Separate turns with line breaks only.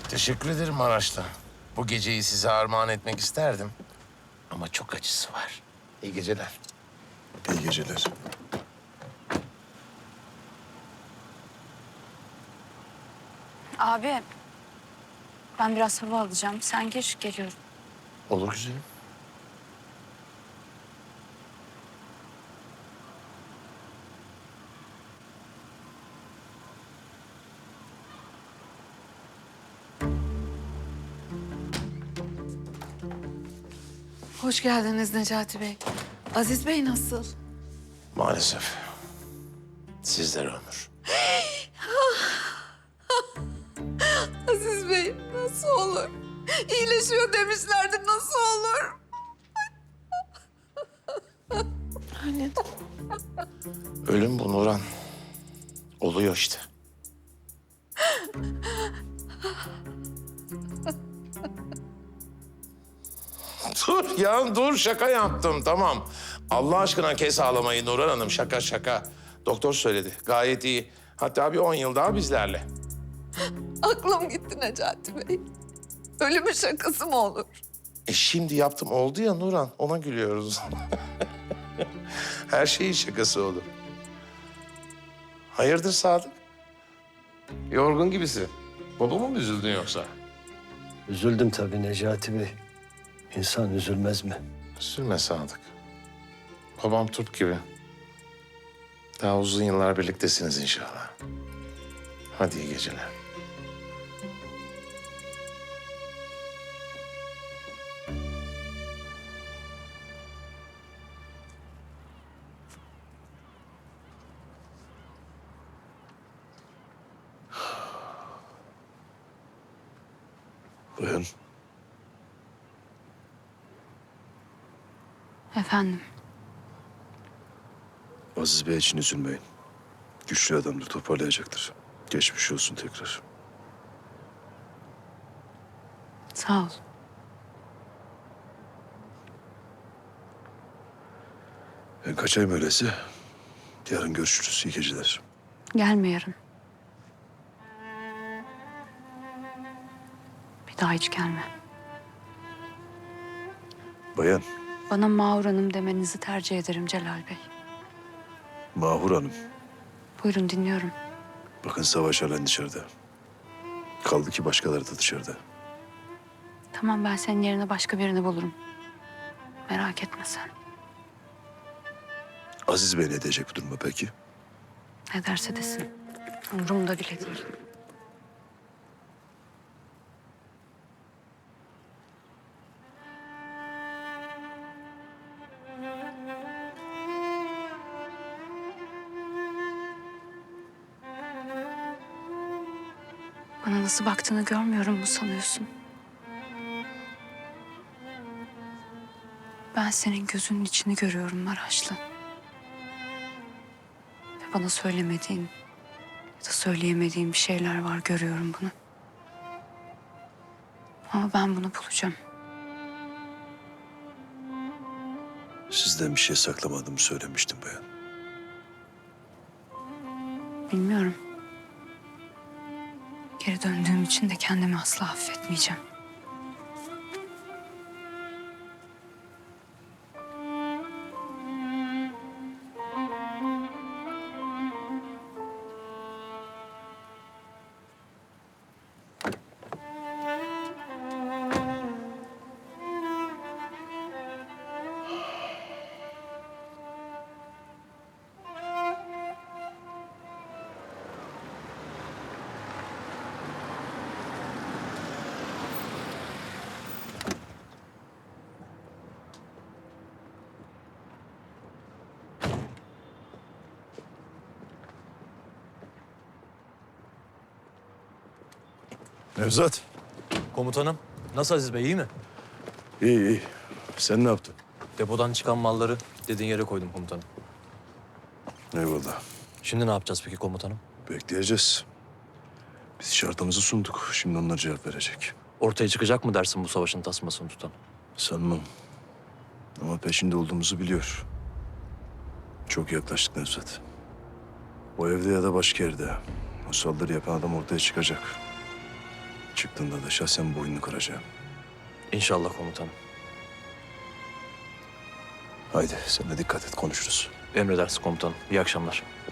Teşekkür ederim Maraşlı. Bu geceyi size armağan etmek isterdim. Ama çok acısı var. İyi geceler.
İyi geceler.
Abi, ben biraz hava alacağım. Sen gir, geliyorum.
Olur güzelim.
Hoş geldiniz Necati Bey. Aziz Bey nasıl?
Maalesef. Sizlere ömür.
Aziz Bey nasıl olur? İyileşiyor demişlerdi, nasıl olur? Anne.
Ölüm bu Nurhan. Oluyor işte. Dur ya dur, şaka yaptım, tamam. Allah aşkına kes ağlamayı Nurhan Hanım, şaka şaka. Doktor söyledi, gayet iyi. Hatta bir 10 yıl daha bizlerle.
Aklım gitti Necati Bey. Ölümün şakası mı olur?
Şimdi yaptım, oldu ya Nurhan, ona gülüyoruz. Her şeyin şakası olur. Hayırdır Sadık? Yorgun gibisin. Babamı mı üzüldün yoksa?
Üzüldüm tabii Necati Bey. İnsan üzülmez mi?
Üzülme Sadık. Babam Türk gibi. Daha uzun yıllar birliktesiniz inşallah. Hadi iyi geceler.
Bayan,
Efendim,
Aziz Bey için üzülmeyin. Güçlü adamdır, toparlayacaktır. Geçmiş olsun tekrar.
sağ ol.
Ben kaçayım öyleyse. Yarın görüşürüz. İyi geceler.
Gelme yarın. Bir daha hiç gelme.
Bayan,
Bana Mahur Hanım demenizi tercih ederim Celal Bey.
Mahur Hanım.
Buyurun dinliyorum.
Bakın Savaş halen dışarıda. Kaldı ki başkaları da dışarıda.
Tamam, ben senin yerine başka birini bulurum. Merak etme sen.
Aziz Bey ne diyecek bu duruma peki?
Ne derse desin. Umurumda bile değil. Bana nasıl baktığını görmüyorum mu sanıyorsun? Ben senin gözünün içini görüyorum Maraşlı. Ve bana söylemediğin ya da söyleyemediğin bir şeyler var, görüyorum bunu. Ama ben bunu bulacağım.
Sizden bir şey saklamadığımı söylemiştim bayan.
Bilmiyorum. Geri döndüğüm için de kendimi asla affetmeyeceğim.
Nevzat.
Komutanım, nasıl Aziz Bey, iyi mi?
İyi iyi. Sen ne yaptın?
Depodan çıkan malları dediğin yere koydum komutanım.
Eyvallah.
Şimdi ne yapacağız peki komutanım?
Bekleyeceğiz. Biz şartımızı sunduk. Şimdi onlar cevap verecek.
Ortaya çıkacak mı dersin bu savaşın tasmasını tutan?
Sanmam. Ama peşinde olduğumuzu biliyor. Çok yaklaştık Nevzat. O evde ya da başka yerde. O saldırı yapan adam ortaya çıkacak. Çıktığında da şahsen boynunu kıracağım.
İnşallah komutanım.
Haydi sen de dikkat et, konuşuruz.
Emredersin komutanım. İyi akşamlar.